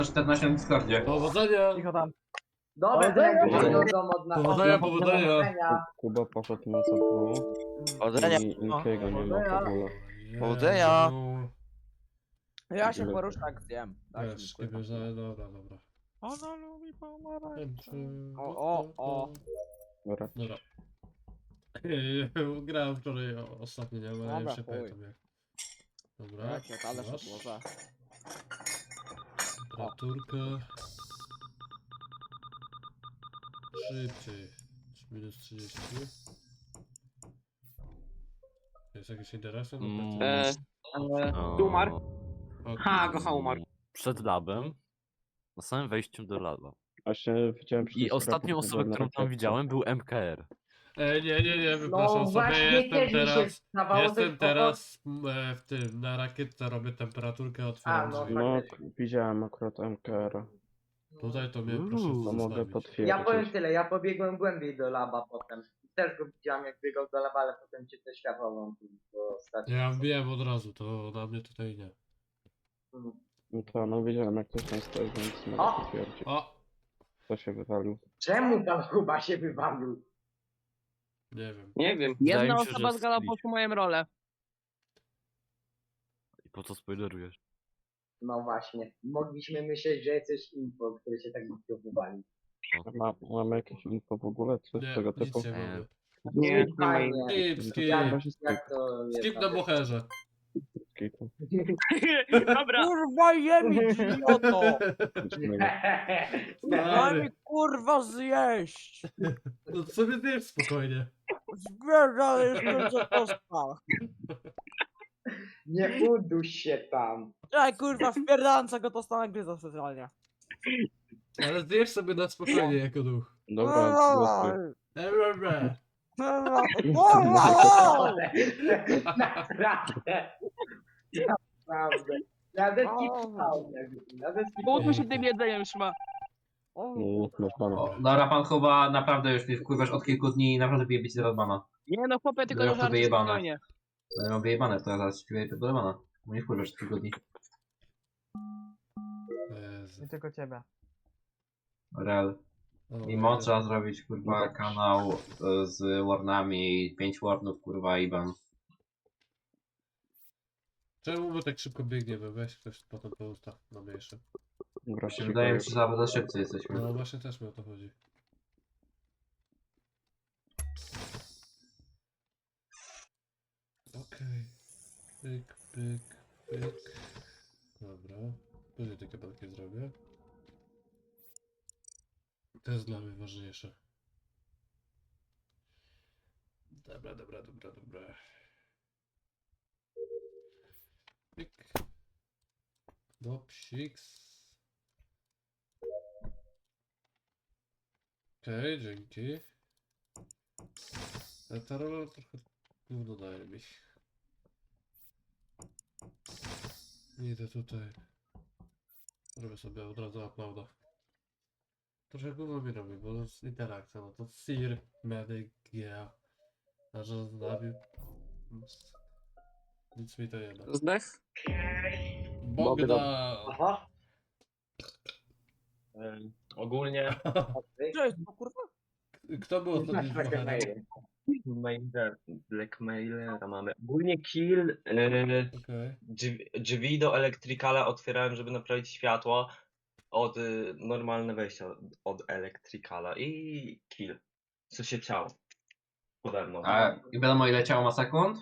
14 na Discordzie. Powodzenia! Cicho tam. Dobra, to jak Powodzenia. wyjdą od nas. Powodzenia, powodzenia. Kuba poszedł na ZW Powodzenia. i Inkiego nie ma w ogóle. Powodzenia. Ja się poruszak zjem. Wiesz, nie bierze, dobra. Ona lubi pomarańcze. O. Dobra. Dobra. Grałem wczoraj ostatnio, nie? Ale Dobra, już się chuj. pamiętam jak. Dobra, Jakie, ale się masz włożę. temperaturkę. Szybciej. Minus 30. Jest jakiś interesy? Umarł? O, Ha, Gocha umarł. Przed labem. Na samym wejściu do laba. Właśnie widziałem I ostatnią osobą, którą tam widziałem, był MKR. Nie, wypraszam No sobie, właśnie jestem też mi się teraz... zdawało, Jestem że teraz w tym, na rakietce robię temperaturkę, otwieram no drzwi. No, widziałem akurat MKR-a. Tutaj to mnie proszę To mogę zostawić. potwierdzić. Ja powiem tyle, ja pobiegłem głębiej do laba potem. Też go widziałem jak biegał do laba, ale potem cię te światło włączył. Bo ostatnio. Ja wiem od razu, to na mnie tutaj nie. No to no widziałem jak ktoś tam stoi, więc mogę O! potwierdzić. O! Kto się wywalił. Czemu tam chyba się wywalił? Nie wiem. Nie wiem. Wydaje Jedna mi się, że osoba zgadła split. po moją rolę. I po co spoilerujesz? No właśnie. Mogliśmy myśleć, że jesteś info, który się tak głupio wywalił. Mamy jakieś info w ogóle? Coś Nie, tego nic typu? nie mamy. Nie, nie ma Fajnie. Skip. Jak to jest Skip na bocherze. Dobra. Kurwa jemi, idioto! Daj Stary. mi kurwa zjeść! No to sobie zjedz spokojnie. Zbierzaj jeszcze co dostał. Nie uduś się tam. Czekaj kurwa, wpierdałem go to stanę gryza specjalnie. Ale zjesz sobie na spokojnie jako duch. Dobra, głosuj. Dobra. Naprawdę. Naprawdę. Nawet skipał. Nawet Połóżmy się tym jedzeniem już ma. Można. O, dobra, pan chyba naprawdę już mnie wkurwasz od kilku dni i naprawdę bije być zaraz bana. Nie no chłopie, tylko Ja do to żartu wyjebane. spokojnie. Ja mam wyjebane, to ja zaraz śpiewaj do bana. Bo nie wkurwasz od kilku dni. Jezu. Nie tylko ciebie. Real. I moc trzeba zrobić, kurwa, kanał z warnami, 5 warnów, kurwa, i ban. Czemu my tak szybko biegniemy? Weź ktoś potem to ustaw na mniejsze. Dobra, Się wydaje mi się, że za szybcy jesteśmy. No właśnie też mi o to chodzi. Okej. Pyk. Dobra. Później te kabelki zrobię. To jest dla mnie ważniejsze. Dobra. Pyk. Dopsiks. Okej, dzięki. Ale ta rola trochę gówno daje mi. Idę tutaj. Robię sobie od razu uploada. Trochę gówno mi robi, bo to jest interakcja, no to Sir, Medic, yeah. A że zabił... Nic mi to nie da. Zdech? Bogdan! Aha. Ogólnie Co jest to kurwa? Kto był ostatni z Takie bohaterem? maile. Blackmailera mamy. Ogólnie kill, Okej. drzwi do elektrykala otwierałem, żeby naprawić światło od normalne wejście od elektrykala i kill. Co się chciało. Pode mną. A i wiadomo ile ciało ma sekund?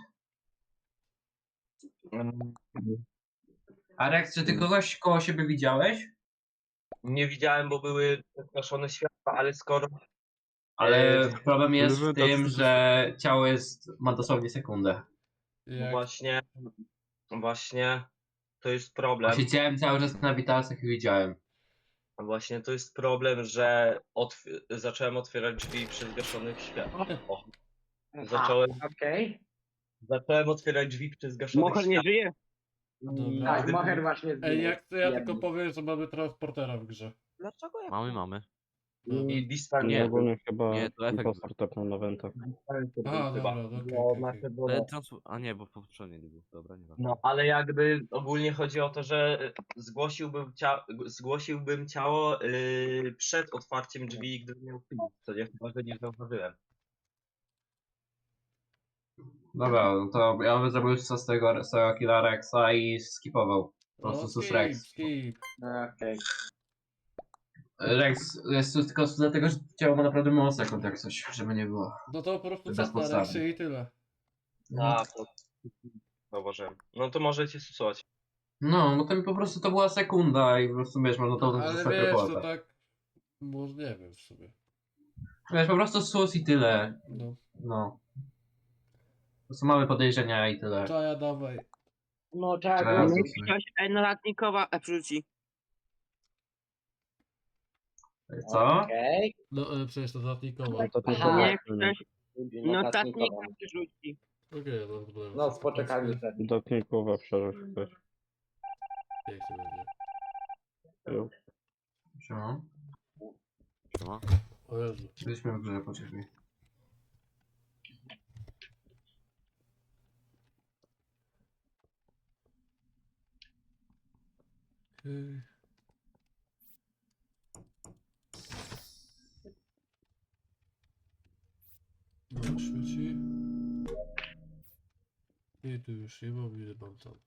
Mm, Arek, czy ty kogoś koło siebie widziałeś? Nie widziałem, bo były zgaszone światła, ale skoro Ale problem jest w Element tym, of- że ciało ma dosłownie sekundę. Jak... właśnie to jest problem. Siedziałem cały czas na witalcach i widziałem. Właśnie to jest problem, że zacząłem otwierać drzwi przy zgaszonych światłach. O, Okej. zacząłem otwierać drzwi przy zgaszonych Mocher nie światłach. żyje. Dobra. Tak, Moher właśnie Ej, zginął. jak to ja Jedny. tylko powiem, że mamy transportera w grze. Dlaczego ja? Mamy. I Dispen Nie, Nie. ogólnie chyba Nie, to efekt impostor tepnął na wentach. A, chyba. dobra, okej, Bo okej, nasze okej. było... Ale a nie, bo poprzednie był. Dobra, nie ważne. No, ale jakby ogólnie chodzi o to, że zgłosiłbym ciało przed otwarciem drzwi, gdybym miał film. To ja chyba go nie zauważyłem. Dobra, no to ja bym zrobił z tego serial killa Rexa i skipował. Po prostu sus skip, Rex. skip. Okej. Rex jest tu tylko dlatego, że ciało ma naprawdę mało sekund jak coś, żeby nie było. No to po prostu Bez czas na podstawy. reksy i tyle. A, to zauważyłem. No to możecie stosować. No to mi po prostu to była sekunda i po prostu wiesz, można to Ale zostać wiesz, to reporta. tak... Może nie wiem w sumie. Wiesz, po prostu sus i tyle. No. No. Po prostu mamy podejrzenia i tyle. Czaja, dawaj. No trzeba Teraz go... susy. Ktoś notatnikowa wrzuci. Co? Okej. No, przecież to zatnikowo. To tylko Aha. Niech na ktoś notatnika wrzuci. Okej, no problem. No, z poczekalni wtedy. dotnikowa przerzuć ktoś. Niech to będzie. Jo. Siema. Siema. O Jezu. Byliśmy w grze, poczekaj. Okej. No, świeci. I tu już nie mam, ile mam tam.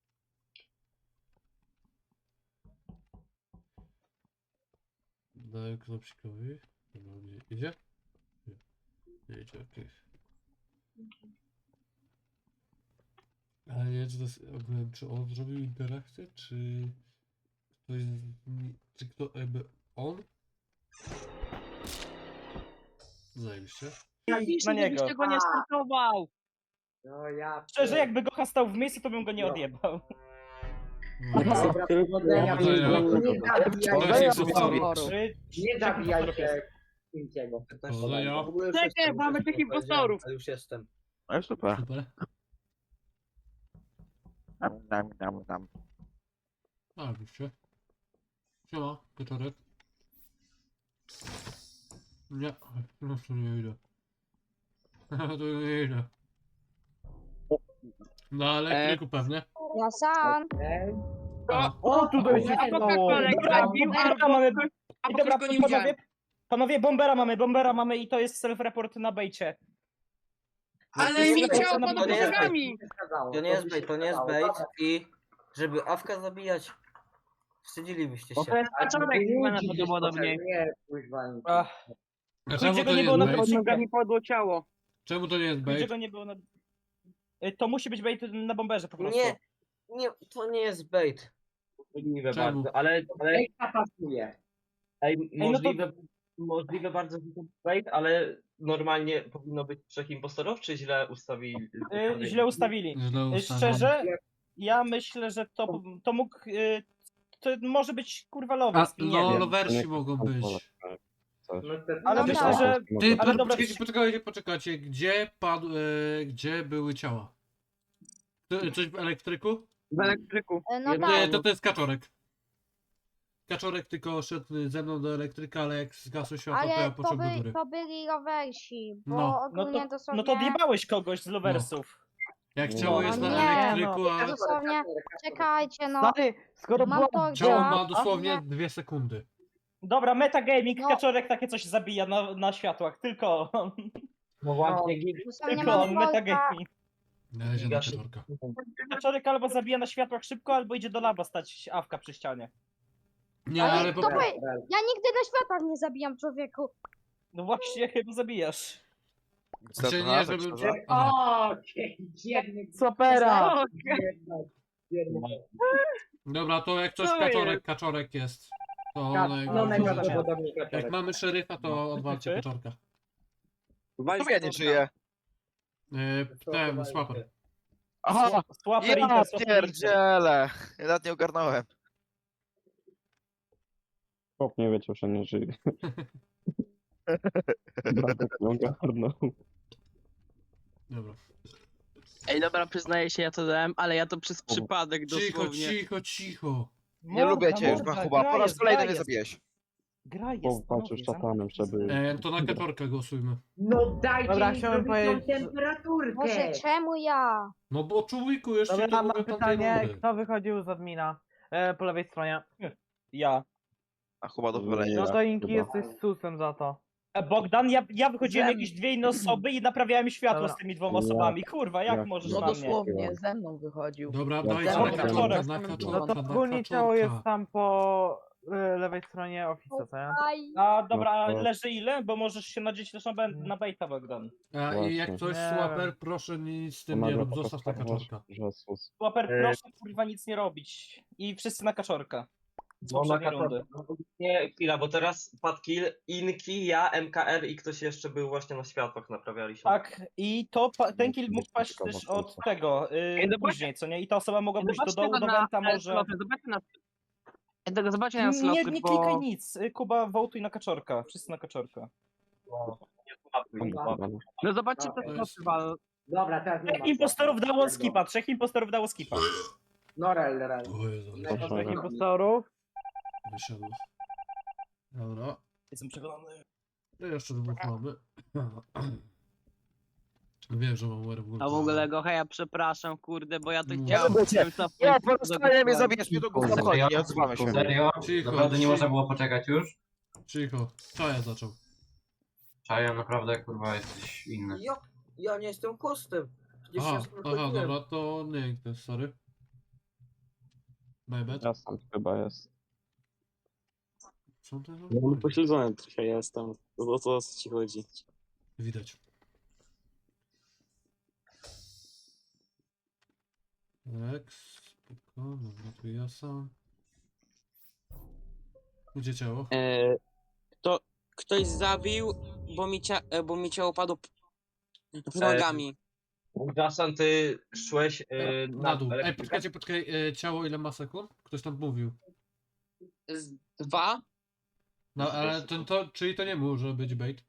Daję knopsikowi. Dobra, nie idzie? Nie. Nie idzie, okej. Ale nie wiem, czy to jest, ogólnie, czy on zrobił interakcję, czy ktoś, czy kto, jakby on? Zajebiście. Na niego. Żebyś tego nie startował. No ja... Szczerze, jakby go hastał w miejscu, to bym go nie odjebał. Dobra, powodzenia. Powodzenia. Nie To jest zabijaj impostor. Nie zabijaj się Pintiego. Powodzenia. Czekaj, mamy tych impostorów. Ale już jestem. Ale super. Super. A, widzicie. Siema, wieczorek. Nie, no to nie idę. To nie idę. Na elektryku pewnie. Ja sam. O, tu dojdzie. A to kolek Dobra, zabił, bombera mamy. a I po dobra, go nie widziałem. panowie, bombera mamy i to jest self-report na bejcie. Ale mi ciało To pod nie jest nogami. To nie jest bait, to nie jest bait i żeby awka zabijać, wstydzilibyście To się. jest kaczorek chyba najprawdopodobniej. Nie, kuźwa. Ach, A czemu Ludzie to go nie nie było jest na bait? Pod nogami padło ciało. Czemu to nie jest gdzie bait? go nie było na... To musi być bait na bomberze po prostu. Nie, to nie jest bait. Możliwe Czemu? bardzo, ale Ej, pasuje. no to- możliwe bardzo, że to bait, ale normalnie powinno być 3 impostorów, czy źle ustawili? Źle ustawili. Źle ustawione. Szczerze, ja myślę, że to mógł... To może być kurwa A, lovers, nie no, wiem. lowersi mogą być. No, Ale No myślę, tak. że... Ty, Ale dobra, poczekajcie, gdzie padł, gdzie były ciała? Coś w elektryku? W elektryku. No Nie, tak. to jest kaczorek. Kaczorek tylko szedł ze mną do elektryka, ale jak zgasło światło, to ja Ale poszedłem do góry. to byli rowersi, bo No. ogólnie dosłownie... No to odjebałeś kogoś z loversów. Jak No. ciało jest No na nie, elektryku, a Dosłownie, czekajcie, no. skoro Mam to ciało gdzieś, ma dosłownie nie. 2 sekundy. Dobra, metagaming, No. kaczorek takie coś zabija na światłach, tylko on. No właśnie, Dosłownie Tylko mam on, Volta. metagaming. Należy na Gaszy- kaczorka. Kaczorek albo zabija na światłach szybko, albo idzie do laba stać awka przy ścianie. Nie, Ale ale to po... by- Ja nigdy na światach nie zabijam człowieku. No właśnie, chyba zabijasz. Znaczy nie, żeby... O, dziennie. Supera! Dobra, to jak coś Co kaczorek jest. To No, najgorzej. najprawdopodobniej Jak kaczorek. mamy szeryfa, to odwalcie Ty? kaczorka. Ja nie żyję. Ten, swapper. Aha, Słaper ja pierdzielę. Ja nawet nie ogarnąłem. Chłop nie wiedział, że nie żyje. Bratek nie ogarnął. Dobra. Ej, dobra, przyznaję się, ja to dałem, ale ja to przez przypadek Cicho, dosłownie. cicho. Nie lubię cię już, morda, Machuba. Po gra raz jest, kolejny gra mnie jest. zabijesz. Gra jest, Powalczył z szatanem, żeby... To na kaczorkę głosujmy. No dajcie Dobra, mi chciałem zrobić tą powiedzieć, że- temperaturkę! Boże, czemu ja? No bo człowieku, jeszcze Dobra, to mam mówię tamtej pytanie, rundy. kto wychodził z admina po lewej stronie? Ja. A chyba do Nie, wylenia. No to Inki chyba. jesteś susem za to. Bogdan, ja wychodziłem Ze- jakieś dwie inne osoby i naprawiałem światło Dobra. z tymi dwoma Ja- osobami. Kurwa, jak ja- możesz No na mnie? dosłownie, ze mną wychodził. Dobra, Ja dajcie chciałem na kaczorkę, kaczorek. na No kaczorkę, to na ogólnie ciało jest kaczorka. tam po lewej stronie ofisa, co nie? Aj, A dobra, No to- leży ile? Bo możesz się nadzieć też na baita, Bogdan. A, I jak Właśnie. coś, Nie Swaper, wiem. proszę nic z To tym nie nagle rób, zostaw na pokazać, kaczorka. że sus. Łaper, proszę kurwa nic nie robić. I wszyscy na kaczorka. Z Bo na poprzedniej rundy. Nie, chwila, bo teraz padł kill, Inki, ja, MKR i ktoś jeszcze był właśnie na światłach, naprawialiśmy. Tak, i to ten kill mógł paść Ciekawa też od sprawa. tego, zobaczcie- później, co nie? I ta osoba mogła pójść do Zobaczcie dołu, go do na Wenta może... sloty, zobaczcie na sloty, Nie, nie bo... klikaj nic, Kuba, wołtuj na kaczorka, wszyscy na kaczorka. No zobaczcie te To sloty, jest- wal. Dobra, teraz nie Trzech ma impostorów sensu. dało skipa, trzech impostorów dało skipa. No rel. O Jezu, Ile to Proszę. Trzech zrobi? impostorów. wyszedł. Dobra, Jestem przekonany. to jeszcze dwóch mamy. Wiem, że mam werewolfa. A w ogóle Gocha, ja przepraszam, kurde, bo ja to Nie chciałem... będę Ja Nie, porozmawiaj mnie, zabijesz mnie do gówna, wchodzi, nie odzywamy się. Serio? Cicho, Naprawdę nie cicho. można było poczekać już? Cicho, Czaja zaczął. Czaja, naprawdę kurwa jesteś inny. Ja nie jestem hostem. Przecież Aha, ja aha, sprawdziłem. dobra, to nie Inktes, sorry. My bad. Ja sam chyba jest. Co to za Ja chuj? pośledzony trochę jestem. O co ci chodzi? Widać. Rex, spoko, dobra, tu ja sam. Gdzie ciało? Ktoś zabił, bo mi ciało padło pod nogami. Jason, ty szłeś Na dół. Ej, elektrykę? poczekaj, ciało ile ma sekund? Ktoś tam mówił. Z 2. No, ale czyli to nie może być bait.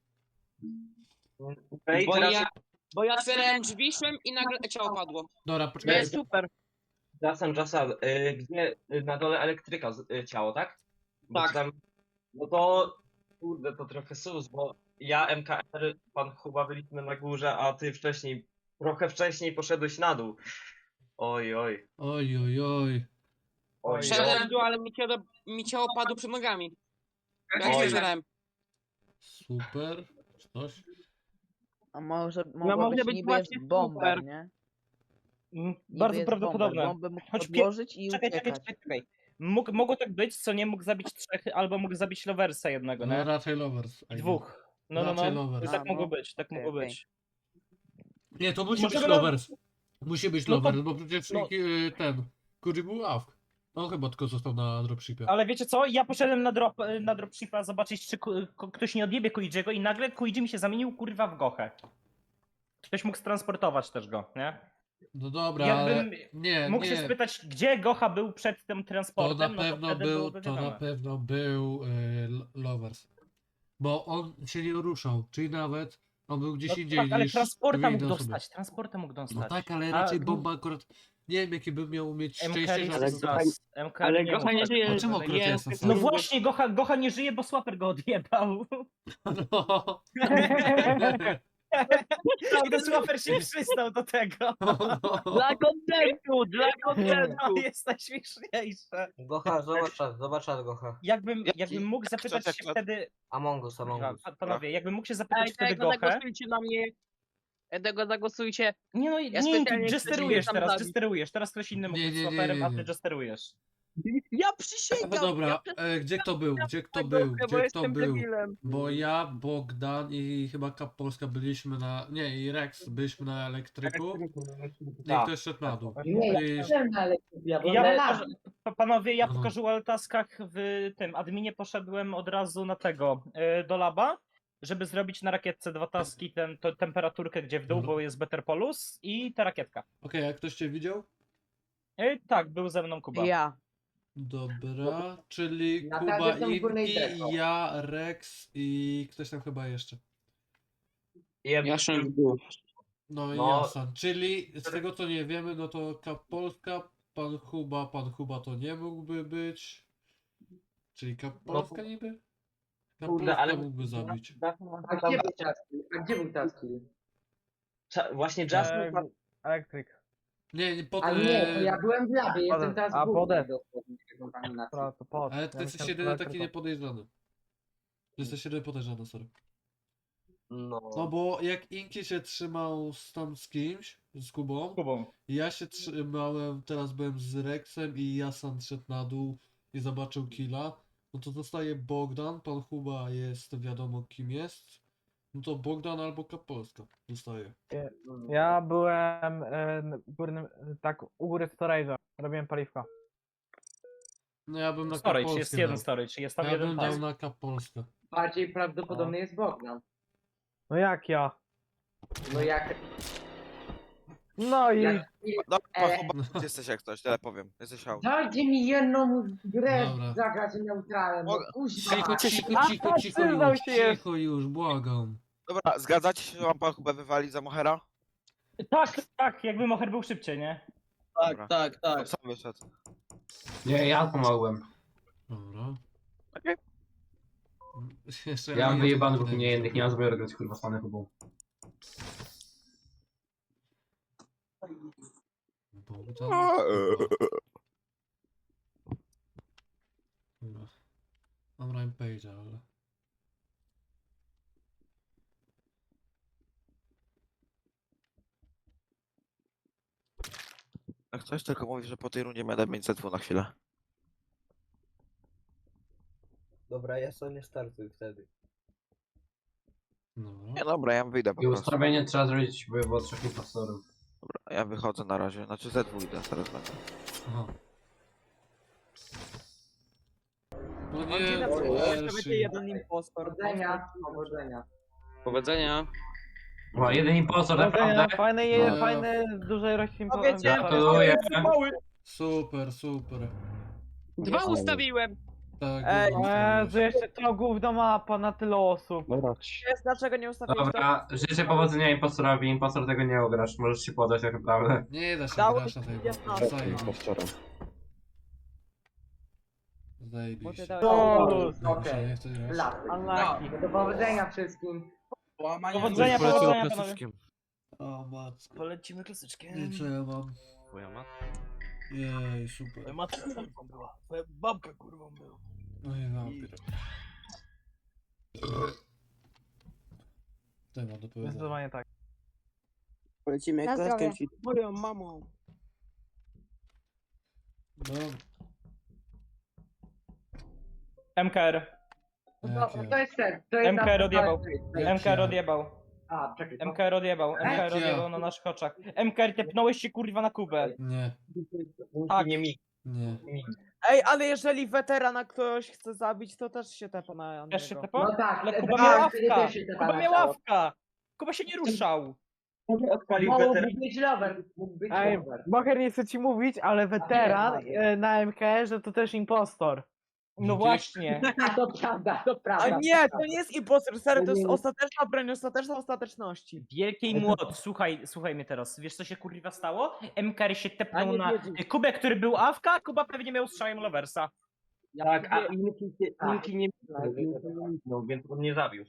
Ej, Bo teraz- bo ja otwierałem drzwi, szłem i nagle ciało padło. Dobra, To poczekaj. jest super. Jason, gdzie na dole elektryka ciało, tak? Bo Tak. Tam, no to, kurde, to trochę sus, bo ja, MKR, pan Kuba byliśmy na górze, a ty trochę wcześniej poszedłeś na dół. Oj, oj. Oj, oj, oj. Oj, Szedłem w dół, ale mi ciało padło przed nogami. Ja Oj. nie otwierałem. Super. Czy coś? A może może być właśnie super. nie? Bardzo prawdopodobne. Bombę mógł Choć podłożyć i Czekaj. Mogło tak być, co nie mógł zabić trzech, albo mógł zabić Loversa jednego, No nie? raczej lovers. I Dwóch. No. Raczej Lovers. Tak A, mogło no. być, tak mogło Okej. być. Nie, to musi Możemy być na- lovers. Musi być No to- lovers, bo przecież no. ten Kurzy był AFK. On chyba tylko został na dropshipie. Ale wiecie co? Ja poszedłem na dropshipa zobaczyć, czy ktoś nie odjebie Kuijiego i nagle Kuiji mi się zamienił kurwa w Gochę. Ktoś mógł transportować też go, nie? No dobra, Jakbym ale nie, mógł się nie. spytać, gdzie Gocha był przed tym To transportem, na pewno wtedy był, byłoby to na wiadome. pewno był lovers. Bo on się nie ruszał, czyli nawet on był gdzieś No indziej tak, ale niż transporta dwie mógł inne osoby. dostać, transporta mógł dostać. No tak, ale A- raczej bomba akurat. Nie wiem jaki by miał mieć szczęście, MK że. jest zas. MK ale nie Gocha mógł nie tak żyje. powiedzieć. A czemu akurat Nie, jestem No sam? właśnie, Gocha nie żyje, bo Swaper go odjebał. No. Prawda, Swaper się przystał do tego. Dla kontentu, dla kontentu. No jest najśmieszniejsze. Gocha, zobacz czat Gocha. Jakbym mógł zapytać się czat? wtedy... Among Us. Panowie, jakbym mógł się zapytać Ej, wtedy tego Gochę... zagłosujcie na mnie. Tego zagłosujcie. Nie no, Ja nie, specjalnie ty jesterujesz tam teraz, zabić. jesterujesz. Teraz ktoś inny mógł Nie, być nie, nie, Swaperem, nie, a nie. ty jesterujesz. Ja przysięgam. No dobra, ja gdzie kto był? Gdzie kto Gochę, był? bo Gdzie kto jestem był? debilem. Bo ja, Bogdan i chyba Kap Polska byliśmy na. Nie, i Rex byliśmy na elektryku. I Tak. ktoś szedł na dół. Nie, ja I- byłem na elektryku, ja byłem Ja na pokażę, labie. panowie, ja po Aha. casual taskach w tym adminie poszedłem od razu na tego, do laba, żeby zrobić na rakietce dwa taski, temperaturkę gdzie w dół, Mhm. bo jest Better Polus i ta rakietka. Okej, a ktoś cię widział? Tak, był ze mną Kuba. Ja. Dobra, czyli Na Kuba, tardzie są w górnej Inki, deko. ja, Rex i ktoś tam chyba jeszcze. Ja szłem w dół. No i No. Jasan. Czyli z tego co nie wiemy, no to Kap Polska, pan Kuba to nie mógłby być. Czyli Kap Polska niby? Kurde, ale... mógłby zabić. A gdzie był Taski? A gdzie był Taski? Właśnie Jasmine... Elektryk. Nie, po Ale nie, to ja byłem w labie, jestem teraz A, w górze potem. dosłownie kontaminacji. Ale ty jesteś jedyny taki niepodejrzany. Jesteś jedyny podejrzany, sorry. No No... bo jak Inki się trzymał tam z kimś, z Kubą, Kubą. ja się trzymałem, teraz byłem z Rexem i Jasan szedł na dół i zobaczył killa, no to zostaje Bogdan, pan Kuba jest wiadomo kim jest, no to Bogdan albo Kapolska zostaje. Ja byłem górnym, tak u góry storage'a. Robiłem paliwko. No ja bym na Storage, Kapolskę jest jeden dał. storage, jest tam Ja jeden bym dał task. na Kapolskę. Bardziej prawdopodobny jest Bogdan. No jak ja? No jak... No i... jak Dobra, chyba jesteś jak coś, tyle powiem. Jesteś hał. dajcie mi jedną grę Dobra. zagrać neutralem, no kuźwa. przyznał się jest. Cicho już, błagam. Dobra, zgadzacie się, że mam pan chyba wywalić za Mohera? Tak, tak, jakby Moher był szybciej, nie? Dobra. Tak. To sam wyszedł. Nie, ja pomogłem. Dobra. Okej. Jeszcze Ja mam nie wyjebany, wiem, bo mnie jednych nie ma zbroju grać kurwa z panem Kubą. Bogdan. Dobra. Mam Rampage'a, ale... Jak coś tylko mówi, że po tej rundzie będę mieć Z2 na chwilę. Dobra, ja sobie nie startuj wtedy. Dobra. Nie dobra, ja wyjdę po I prostu. ustawienie trzeba zrobić, by było 3 impostorów. Dobra, ja wychodzę na razie. Znaczy Z2 idę, zaraz będę. Aha. No Mam nie, ci na to przykład, że Elshi. będzie jeden impostor. Powodzenia, powodzenia. Powodzenia. Ma jeden impostor, Powodzenia, naprawdę? fajne, No. fajne, dużej rości Gratuluję. Super, super. 2 ustawiłem. Tak, Ej, dobra, że jeszcze to gówno mapa na tyle osób. Dobra, Jest, dlaczego nie ustawiłeś Dobra, życzę powodzenia impostorowi, impostor tego nie ugrasz, możesz się podać tak naprawdę. Nie da się Dałeś grać na tej 15. impostora. Zajebiście. to? Dobrze, Okej. nie chcę grać. Lasy. Unlucky. Do powodzenia wszystkim. Powodzenia, Poleciał powodzenia, panowie. klasyczkiem. O matko. Polecimy klasyczkiem. I co ja mam? Twoja matka. Jej, super. Matka była. Twoja babka kurwą była. No i wampir. Co ja mam do powiedzenia? Zdecydowanie tak. Polecimy Na zdrowie. Moją mamą. No, MKR. No, jak ja. to jest ten, to jest MKR odjebał. Jak MKR ja. odjebał. A, czekaj. to- MKR odjebał. MKR Jak ja. odjebał na naszych oczach. MKR, tepnąłeś się kurwa na Kubę. Nie, Tak. Nie mi. nie. Ej, ale jeżeli weterana ktoś chce zabić, to też się tepa na Też się niego. tepał? No tak, Ale tak, Kuba tak, miał wtedy ławka. też się Kuba tepała miał ciało. ławka. Kuba się nie ruszał. Odpalił Mógł weteran. być lover, mógł być Ej, lover. Bocher nie chce ci mówić, ale weteran nie. na MK, że to też impostor. No właśnie. A to prawda, to prawda. A nie, to nie jest impostor, serio, to jest ostateczna broń, ostateczna ostateczności. Wielkiej młot, słuchaj mnie teraz. Wiesz co się kurwa stało? MKR się A tepnął nie na wiedzieć. Kubę, który był awka, a Kuba pewnie miał strzałem Loversa. Tak, a Inki Tak. nie no, więc on nie zabił.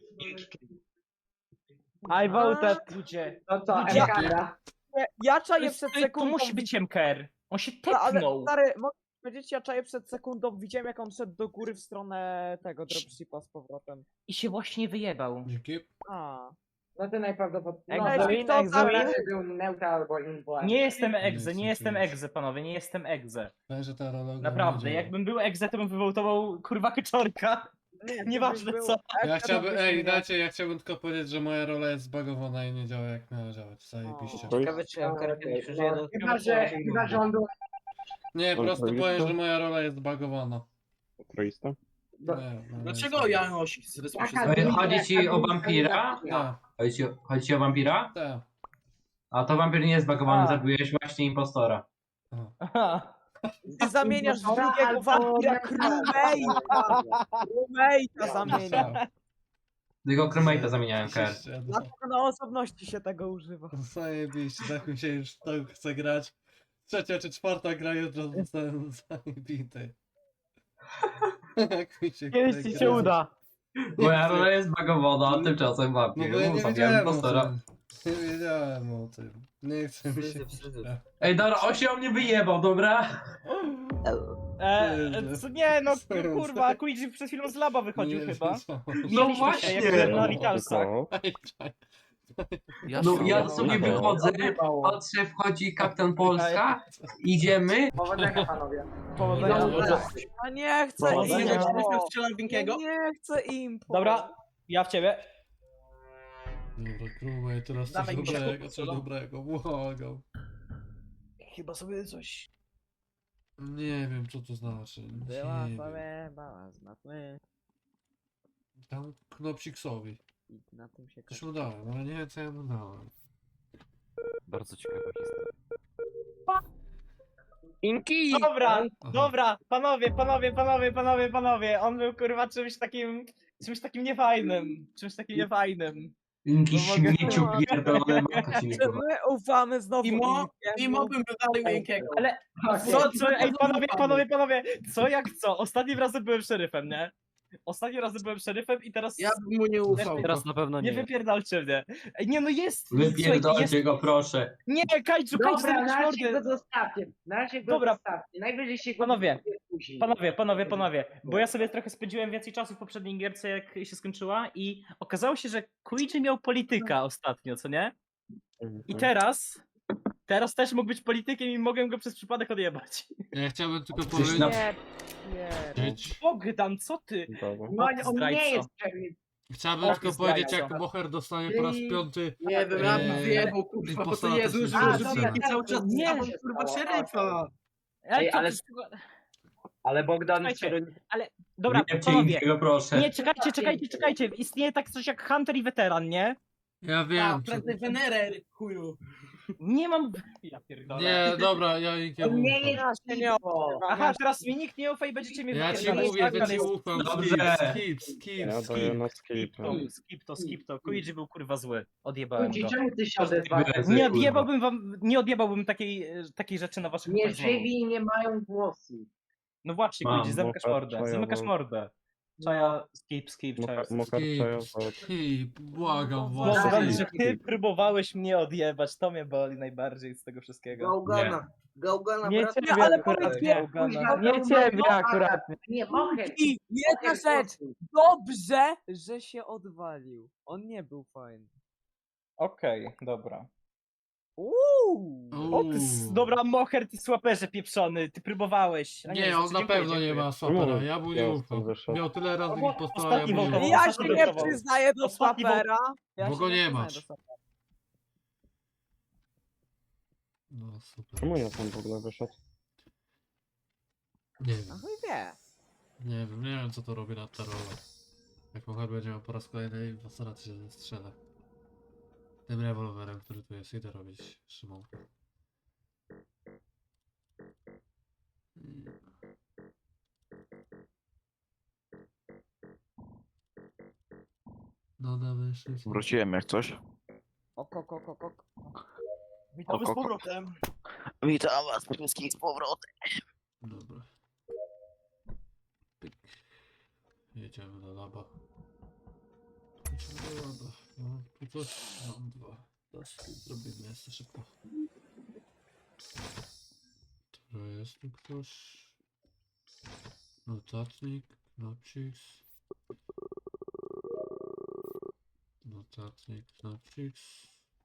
I voted. Ludzie. No co, Ludzie. MKR? Ja czaję To, przed to sekundą. musi być MKR. On się No, ale tepnął. stary, mogę powiedzieć, ja czaję przed sekundą, widziałem jak on szedł do góry w stronę tego dropshipa z powrotem. I się właśnie wyjebał. Dzięki. A. No to najprawdopodobniej. No, Exoin, to Exoin. raczej był neutral albo impo. Nie jestem Nie egze, nie jestem oczywiście. egze, panowie, nie jestem egze. Że ta rola Naprawdę, nie działa. jakbym był egze, to bym wywołtował kurwa Keczorka. Nie, Nieważne co. Ja chciałbym, ja chciałbym tylko powiedzieć, że moja rola jest zbagowana i nie działa jak miała działać. Zajebiście. Ciekawe, czy Okej, no, chyba, że on był... Nie, po prostu Kontrolista? powiem, że moja rola jest zbagowana. Troista? Nie, no, Dlaczego Janosik z Chodzi ci o wampira? Tak, Chodzi ci o wampira? tak. A to wampir nie jest zbagowany, A. zabiłeś właśnie impostora. Aha. Ty zamieniasz w drugiego Albo wampira neutralny. crewmate'a zamienia. Tylko crewmate'a zamieniałem KR. Dlatego na osobności się tego używa. Zajebiście, tak mi się już tak chce grać. Trzecia czy czwarta gra już zostałem zajebity. Jak mi się Kiedyś chce ci się grać. uda. Moja rola jest bagowana, a tymczasem No bo wampir. ja nie Zabijam wiedziałem o impostora. tym. Nie wiedziałem o tym. Nie chcę mi się... Ej, dobra, on się o mnie wyjebał, dobra? Co nie, no kurwa, Luigi przed chwilą z laba wychodził Nie chyba. wiedziałem. Widzieliśmy właśnie. się, jak byłem na Vitalsach. Ej, czaj. No ja się sobie obawiam. wychodzę, Odjebało. patrzę, wchodzi kapitan Polska, idziemy. Powodzenia panowie. Powodzenia. A nie chcę Powodzenia. Nie chcę im. Dobra, ja w ciebie. Dobra, krumaj, teraz coś Dawaj mi się dobrego, kup, coś co? dobrego, błagam. Chyba sobie coś... Nie wiem, co to znaczy. Była Nie wiem. sobie bała, znamy. Tam Knopsiksowi. I na tym się Coś mu dałem, ale nie wiem, co ja mu dałem. Bardzo ciekawa historia. Inki! Dobra, Aha. dobra, panowie, on był kurwa czymś takim niefajnym, Jakiś No mogę- śmieciu pierdolony, maka ci nie kurwa. My ufamy znowu Mimo bym dodali miękkiego. Ale ej panowie, co jak co? Ostatnim razem byłem szeryfem, nie? I teraz... Ja bym mu nie ufał. Teraz na pewno Nie nie. wypierdalcie mnie. Ej, nie no jest! Wypierdolcie go, proszę. Nie, Kajczu, Dobra, zamykaj na razie mordę. go zostawcie. Na razie go Dobra. zostawcie. Najwyżej się go Panowie, wyjdzie później. Panowie, bo ja sobie trochę spędziłem więcej czasu w poprzedniej gierce, jak się skończyła i okazało się, że Luigi miał polityka ostatnio, co nie? I teraz też mógł być politykiem i mogłem go przez przypadek odjebać. Ja chciałbym tylko Coś powiedzieć... na- Bogdan, co ty? Dobra. No on Zdrajco. nie jest pewien. Chciałbym Och, tylko zdrajco. powiedzieć, jak Moher dostanie po raz piąty... Nie wiem, ja bym Eee, wyjebał, kurwa, po to impostora Jezu, też że nie A, może zrobiłem. Inki cały czas Nie. stawał, kurwa, szeryfa. Ale, ale- co ty- Ale Bogdan Słuchajcie, Dobra, Wyjebcie panowie, Inkiego, proszę. nie, czekajcie, istnieje tak coś jak Hunter i Weteran, nie? Ja A, wiem, co... prędzej Wenerer, chuju. Nie mam... Ja pierdolę. Nie, dobra, ja Inkiemu On nie ufam. jest Piwo. Aha, teraz mi nikt nie ufa i będziecie mnie Ja ci wypierdalać, mówię, tak? że Ale ci jest- ufam. Dobrze. Ja daję na skip. Skip to. Luigi był kurwa zły. Odjebałem Luigi, go. czemu ty się odezwałeś? Nie odjebałbym takiej rzeczy na waszych Nie oczach znowu. żywi nie mają głosu. No właśnie, Mam, Luigi, zamykasz Moka, mordę. czaja, Zamykasz bo- mordę. Czaja, skip, czaja. Mokarczaja, Skip, błagam Bogdan, was. że ty próbowałeś mnie odjebać, to mnie boli najbardziej z tego wszystkiego. Gałgana. Gałgana, Nie brat. ciebie ale akurat, powiedz nie, mi, Gałgana. Nie ciebie akurat. Nie, mogę. I jedna rzecz. Dobrze, że się odwalił. On nie był fajny. Okej, dobra. Uuu. Dobra, Moher, ty słaperze pieprzony, ty próbowałeś. A Nie, on na dziękuję, pewno nie dziękuję. ma swapera, ja mu nie Ja ufam. stąd wyszedł. Miał tyle razy Albo impostora, ja ostatni mu nie wołtował. ufam. Ja się nie Ostatni przyznaję do Ostatni swapera. Ja Bo się go nie przyznaję masz. do swapera. No super. Czemu ja tam w ogóle wyszedł? Nie A wiem, chuj wie. nie wiem co to robi na terrorze. Jak Moher będzie miał po raz kolejny impostora, to się zestrzela. Tym rewolwerem, który tu jest, idę robić Szymon. No damy szybko. Wróciłem jak coś. Ok. Witamy z Oko. powrotem. Witam was wszystkich z powrotem. Dobra. Pyk. Jedziemy do laba. Jedziemy do laba. No, tu coś mam dwa. Daski zrobimy jeszcze szybko. To jest tu ktoś. Notatnik, Knopsiks. Notatnik, Knopsiks.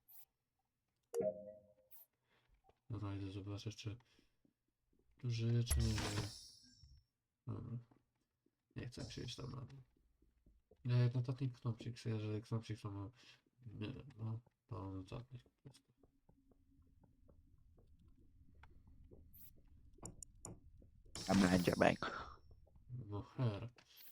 Dobra, idę zobaczyć, czy tu żyje, czy nie żyje. Dobra. Nie chcę się iść tam na dół. Nie, notatnik Knopsiks, jeżeli Knopsiks ma... Nie wiem, no, to notatnik. A będzie bank. No her.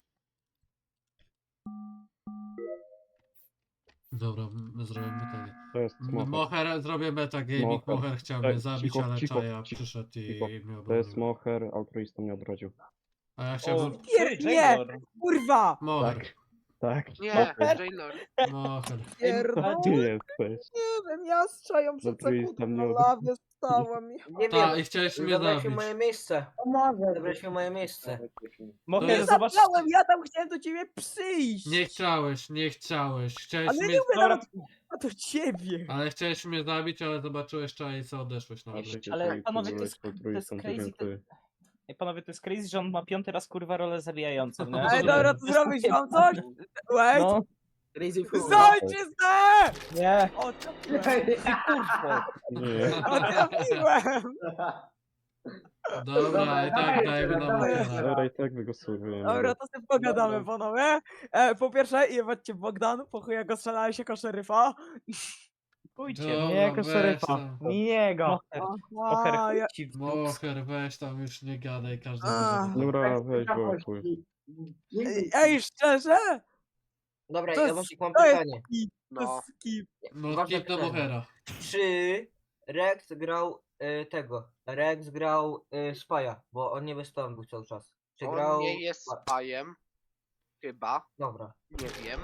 Dobra, my zrobimy pytanie. To jest Moher. Moher, zrobię metagaming, Moher. Moher chciał Tak, mnie zabić, cicho, ale cicho, Czaja cicho, przyszedł cicho. i mnie To jest obronił. Moher, altruista mnie odrodził. A ja O, chciałbym... Nie, Jailor. kurwa! Moher. Tak. Nie, Moher. Jailor. Moher. Ty jesteś. Nie wiem, ja z czają przed Altruista sekundą mnie na odrodził. lawie została mi. Nie Tak, wiem, i chciałeś mnie zabrałeś mi zabić. moje miejsce. Może. Zabrałeś mi moje miejsce. Moher, Nie zobacz. zabrałem, ja tam chciałem do ciebie przyjść. Nie chciałeś, nie chciałeś. Chciałeś Ale mnie... nie mówię Dobra, nawet do ciebie. Ale chciałeś mnie zabić, ale zobaczyłeś czaj i co odeszłeś nawet. Ale panowie, to jest crazy. Ej, panowie, to jest crazy, że on ma 5. raz kurwa rolę zabijającą, nie? Ej, dobra, to zrobić wam coś? Wait, No, Crazy fool. zajczyznę! nie. O, trafiłem, Nie. o, trafiłem! Dobra, i tak dajemy na Mohera. Dobra, i tak wygłosowujemy. Dobra, to sobie pogadamy, panowie. Po pierwsze, jebać Bogdan, po chuj jak go strzelałeś jako szeryfa. Pójdźcie, Dobra, nie jako weź szeryfa. tam. Nie go. Moher, Aha, ja... chuj ci w dupę. Moher, weź tam już nie gadaj, każdy A. wie, że- Dobra, weź go, chuj. Ej, szczerze? Dobra, To ja jest- właśnie mam to jest pytanie. skip, to No. jest skip. No, Ważne skip do pytanie. Mohera. Czy Rex grał tego? Rex grał Spaja, bo on nie wystąpił był cały czas. Czy grał... On nie jest spajem. Chyba. Dobra. Nie wiem.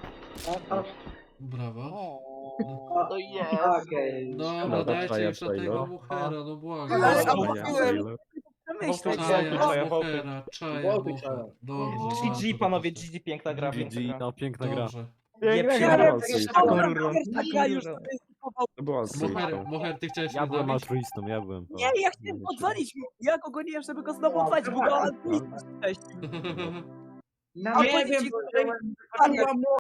Brawo. No jest. Okej. Dobra, Dobra, dajcie Czaja, już na Czaja. tego Mohera, no błagam. Ale Czaja, mówiłem, Czaja. myśleć, Czaja, Czaja, Mohera, Czaja, Moher. Dobrze, GG, bardzo panowie, dobrze. GG, piękna gra, piękna gra. no piękna gra. Dobrze. Nie Ja przyjdę. ja już stykował. To była Moher, ty chciałeś Ja mnie byłem zabić? altruistą, ja byłem. Nie, ja chciałem podzwonić, ja go goniłem, żeby go znowu odwalić, bo go altruistą. No nie Albo wiem, ci- bo